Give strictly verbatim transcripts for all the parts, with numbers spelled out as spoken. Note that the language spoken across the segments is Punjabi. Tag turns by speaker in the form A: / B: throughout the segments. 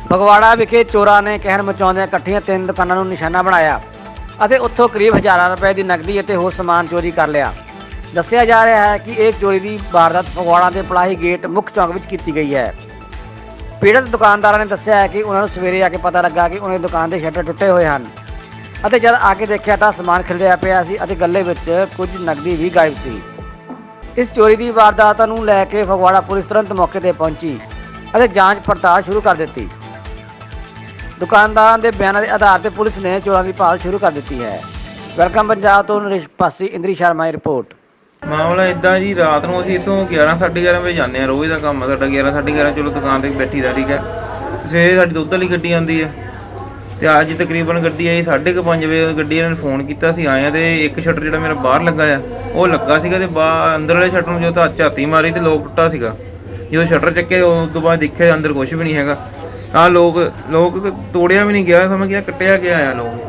A: ਫਗਵਾੜਾ ਵਿਖੇ ਚੋਰਾਂ ਨੇ ਕਹਿਰ ਮਚਾਉਂਦਿਆਂ ਇਕੱਠੀਆਂ ਤਿੰਨ ਦੁਕਾਨਾਂ ਨੂੰ ਨਿਸ਼ਾਨਾ ਬਣਾਇਆ ਅਤੇ ਉੱਥੋਂ ਕਰੀਬ ਹਜ਼ਾਰਾਂ ਰੁਪਏ ਦੀ ਨਕਦੀ ਅਤੇ ਹੋਰ ਸਮਾਨ ਚੋਰੀ ਕਰ ਲਿਆ। ਦੱਸਿਆ ਜਾ ਰਿਹਾ ਹੈ ਕਿ ਇਹ ਚੋਰੀ ਦੀ ਵਾਰਦਾਤ ਫਗਵਾੜਾ ਦੇ ਪਲਾਹੀ ਗੇਟ ਮੁੱਖ ਚੌਂਕ ਵਿੱਚ ਕੀਤੀ ਗਈ ਹੈ। ਪੀੜਤ ਦੁਕਾਨਦਾਰਾਂ ਨੇ ਦੱਸਿਆ ਹੈ ਕਿ ਉਹਨਾਂ ਨੂੰ ਸਵੇਰੇ ਆ ਕੇ ਪਤਾ ਲੱਗਾ ਕਿ ਉਹਨਾਂ ਦੀ ਦੁਕਾਨ ਦੇ ਸ਼ਟਰ ਟੁੱਟੇ ਹੋਏ ਹਨ ਅਤੇ ਜਦ ਆ ਕੇ ਦੇਖਿਆ ਤਾਂ ਸਮਾਨ ਖਿਲਰਿਆ ਪਿਆ ਸੀ ਅਤੇ ਗੱਲੇ ਵਿੱਚ ਕੁਝ ਨਕਦੀ ਵੀ ਗਾਇਬ ਸੀ। ਇਸ ਚੋਰੀ ਦੀ ਵਾਰਦਾਤ ਨੂੰ ਲੈ ਕੇ ਫਗਵਾੜਾ ਪੁਲਿਸ ਤੁਰੰਤ ਮੌਕੇ ਤੇ ਪਹੁੰਚੀ ਅਤੇ ਜਾਂਚ ਪੜਤਾਲ ਸ਼ੁਰੂ ਕਰ ਦਿੱਤੀ। ਦੁਕਾਨਦਾਰਾਂ ਦੇ ਬਿਆਨਾਂ ਦੇ ਆਧਾਰ ਤੇ ਪੁਲਿਸ ਨੇ ਚੋਰਾਂ ਦੀ ਭਾਲ ਸ਼ੁਰੂ ਕਰ ਦਿੱਤੀ ਹੈ। ਵੈਲਕਮ ਪੰਜਾਬ ਤੋਂ ਨਰੇਸ਼ ਪਾਸੀ, ਇੰਦਰੀ ਸ਼ਰਮਾ ਦੀ ਰਿਪੋਰਟ।
B: ਮਾਮਲਾ ਇਦਾਂ ਜੀ, ਰਾਤ ਨੂੰ ਅਸੀਂ ਇੱਥੋਂ ਗਿਆਰਾਂ ਸਾਢੇ ਗਿਆਰਾਂ ਵਜੇ ਜਾਂਦੇ ਹਾਂ। ਰੋਜ਼ ਦਾ ਕੰਮ ਆ ਸਾਡਾ, ਗਿਆਰਾਂ ਸਾਢੇ ਗਿਆਰਾਂ ਚਲੋ ਦੁਕਾਨ 'ਤੇ ਬੈਠੀ ਦਾ, ਠੀਕ ਹੈ। ਸਵੇਰੇ ਸਾਡੀ ਦੁੱਧ ਵਾਲੀ ਗੱਡੀ ਆਉਂਦੀ ਹੈ ਅਤੇ ਅੱਜ ਤਕਰੀਬਨ ਗੱਡੀ ਆਈ ਸਾਢੇ ਕੁ ਪੰਜ ਵਜੇ। ਗੱਡੀ ਇਹਨਾਂ ਨੇ ਫੋਨ ਕੀਤਾ, ਅਸੀਂ ਆਏ ਹਾਂ ਅਤੇ ਇੱਕ ਸ਼ਟਰ ਜਿਹੜਾ ਮੇਰਾ ਬਾਹਰ ਲੱਗਾ ਆ ਉਹ ਲੱਗਾ ਸੀਗਾ ਅਤੇ ਬਾਹਰ ਅੰਦਰ ਵਾਲੇ ਸ਼ਟਰ ਨੂੰ ਜਦੋਂ ਝਾਤੀ ਮਾਰੀ ਅਤੇ ਲੋਕ ਟੁੱਟਾ ਸੀਗਾ। ਜਦੋਂ ਸ਼ਟਰ ਚੱਕੇ ਉਸ ਤੋਂ ਬਾਅਦ ਦੇਖਿਆ ਅੰਦਰ ਕੁਛ ਵੀ ਨਹੀਂ ਹੈਗਾ। ਆਹ ਲੋਕ ਲੋਕ ਤੋੜਿਆ ਵੀ ਨਹੀਂ ਗਿਆ, ਸਮਝ ਗਿਆ ਕੱਟਿਆ ਗਿਆ ਆ ਲੋਕ।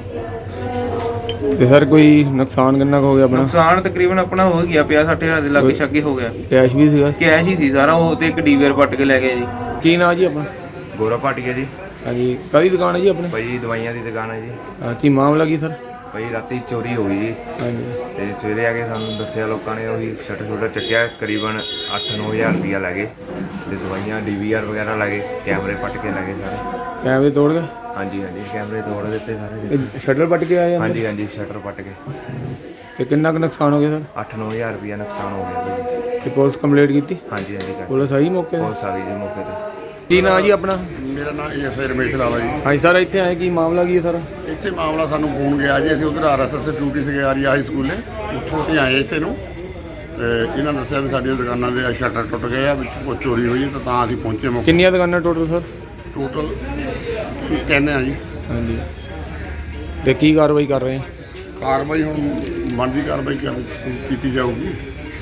C: ਤੇ ਸਰ ਕੋਈ ਨੁਕਸਾਨ ਕਿੰਨਾ ਕੁ ਹੋ ਗਿਆ ਆਪਣਾ?
B: ਨੁਕਸਾਨ ਤਕਰੀਬਨ ਆਪਣਾ ਹੋ ਗਿਆ ਪੰਜਾਹ ਸੱਠ ਹਜ਼ਾਰ ਦੇ ਲਾਗੇ ਛਾਗੇ ਹੋ ਗਿਆ।
C: ਕੈਸ਼ ਵੀ ਸੀਗਾ?
B: ਕੈਸ਼ ਹੀ ਸੀ ਸਾਰਾ ਉਹ, ਤੇ ਇੱਕ ਡੀਵੀਆਰ ਪੱਟ ਕੇ ਲੈ ਗਏ ਜੀ।
C: ਕੀ ਨਾਂ ਜੀ ਆਪਣਾ?
D: ਗੋਰਾ ਭਾਟੀਆ ਜੀ।
C: ਹਾਂਜੀ, ਕਾਹਦੀ ਦੁਕਾਨ ਹੈ ਜੀ ਆਪਣੀ?
D: ਭਾਈ ਦਵਾਈਆਂ ਦੀ ਦੁਕਾਨ ਹੈ ਜੀ।
C: ਹਾਂ, ਕੀ ਮਾਮਲਾ ਕੀ ਸਰ?
D: ਭਾਈ ਰਾਤੀ ਚੋਰੀ ਹੋ ਗਈ ਜੀ
C: ਹਾਂਜੀ।
D: ਤੇ ਸਵੇਰੇ ਆ ਕੇ ਸਾਨੂੰ ਦੱਸਿਆ ਲੋਕਾਂ ਨੇ, ਉਹੀ ਸ਼ਟਰ ਸ਼ੁਟਰ ਚੱਕਿਆ, ਕਰੀਬਨ ਅੱਠ ਨੌ ਹਜ਼ਾਰ ਰੁਪਈਆ ਲੈ ਗਏ ਤੇ ਦਵਾਈਆਂ ਡੀ ਵੀ ਆਰ ਵਗੈਰਾ ਲੈ ਗਏ, ਕੈਮਰੇ ਪੱਟ ਕੇ ਲੈ ਗਏ ਸਾਰੇ।
C: ਕੈਮਰੇ ਤੋੜ ਗਏ?
D: ਹਾਂਜੀ ਹਾਂਜੀ, ਕੈਮਰੇ ਤੋੜ ਦਿੱਤੇ ਸਾਰੇ।
C: ਸ਼ਟਰ ਪੱਟ ਕੇ ਆਏ?
D: ਹਾਂਜੀ ਹਾਂਜੀ, ਸ਼ਟਰ ਪੱਟ ਕੇ।
C: ਤੇ ਕਿੰਨਾ ਕੁ ਨੁਕਸਾਨ ਹੋ ਗਿਆ ਸਰ?
D: ਅੱਠ ਨੌ ਹਜ਼ਾਰ ਰੁਪਈਆ ਨੁਕਸਾਨ ਹੋ ਗਿਆ ਭਾਈ।
C: ਤੇ ਪੁਲਿਸ ਕੰਪਲੇਂਟ ਕੀਤੀ?
D: ਹਾਂਜੀ ਹਾਂਜੀ,
C: ਪੁਲਿਸ ਆਈ ਮੌਕੇ ਤੇ?
D: ਬਹੁਤ ਸਾਰੀ ਜੀ ਮੌਕੇ ਤੇ।
C: ਕੀ ਨਾਂ ਜੀ ਆਪਣਾ?
E: ਮੇਰਾ ਨਾਮ ਐਸ ਆਈ ਰਮੇਸ਼ ਲਾਲਾ ਜੀ।
C: ਹਾਂਜੀ ਸਰ, ਇੱਥੇ ਆਏ ਕੀ ਮਾਮਲਾ ਕੀ ਹੈ ਸਰ?
E: ਇੱਥੇ ਮਾਮਲਾ ਸਾਨੂੰ ਫੋਨ ਗਿਆ ਜੀ, ਅਸੀਂ ਉਧਰ ਆਰ ਐਸ ਐਸ ਡਿਊਟੀ ਸੀਗੇ ਆਰੀ ਹਾਈ ਸਕੂਲੇ, ਉੱਥੋਂ ਅਸੀਂ ਆਏ ਇੱਥੇ ਨੂੰ ਤੇ ਇਹਨਾਂ ਦੱਸਿਆ ਵੀ ਸਾਡੀਆਂ ਦੁਕਾਨਾਂ ਦੇ ਸ਼ਟਰ ਟੁੱਟ ਗਏ ਆ, ਵਿੱਚ ਕੁਛ ਚੋਰੀ ਹੋਈ ਤਾਂ ਤਾਂ ਅਸੀਂ ਪਹੁੰਚੇ ਮੌਕੇ।
C: ਕਿੰਨੀਆਂ ਦੁਕਾਨਾਂ ਟੋਟਲ ਸਰ?
E: ਟੋਟਲ ਕਹਿੰਦੇ ਆ ਜੀ।
C: ਹਾਂਜੀ, ਤੇ ਕੀ ਕਾਰਵਾਈ ਕਰ ਰਹੇ ਆ?
E: ਕਾਰਵਾਈ ਹੁਣ ਬਣਦੀ ਕਾਰਵਾਈ ਕਰ ਕੀਤੀ ਜਾਊਗੀ।